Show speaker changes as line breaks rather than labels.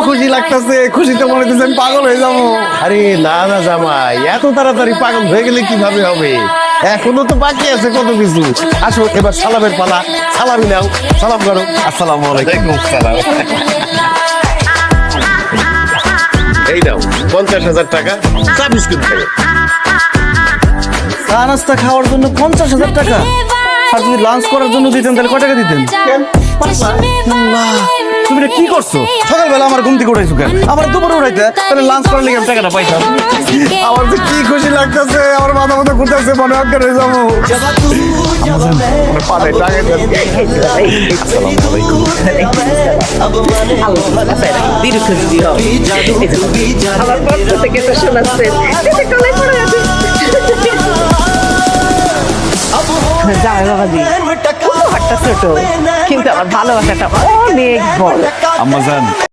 খুশি লাগতেছে, খুশিতে মনে হচ্ছে আমি পাগল হয়ে যাবো।
আরে না না জামাই, এত তাড়াতাড়ি পাগল হয়ে গেলে কিভাবে হবে? এখনো তো বাকি আছে কত কিছু। আসো এবার সালামের পালা, সালামি নাও, সালাম করো।
আসসালামু আলাইকুম।
সালাম। এই নাও 50,000 টাকা, চা বিস্কুট খাবে।
চা নাস্তা খাওয়ার জন্য 50,000 টাকা, আর যদি লাঞ্চ করার জন্য দিতেন তাহলে কয় টাকা দিতেন? আল্লাহ, তুমি এটা কি করছো? সকালবেলা আমার ঘুম থেকে উঠাইছো কেন? আমার দুপুরে উঠাইতে, তাহলে লাঞ্চ করার লেগে আমি টাকাটা পাইতাম। আমার তো কি খুশি লাগতেছে, আমার মাথা মাথা ঘুরতেছে, মনে অজ্ঞান হয়ে যাবো। পাড়ায় টাকা দেন। আসসালামু আলাইকুম।
আমার পক্ষ থেকে তো শোনাচ্ছেন জামাই বাবাজি, উপহারটা ছোট কিন্তু আমার ভালোবাসাটা অনেক বড়।
আম্মাজান,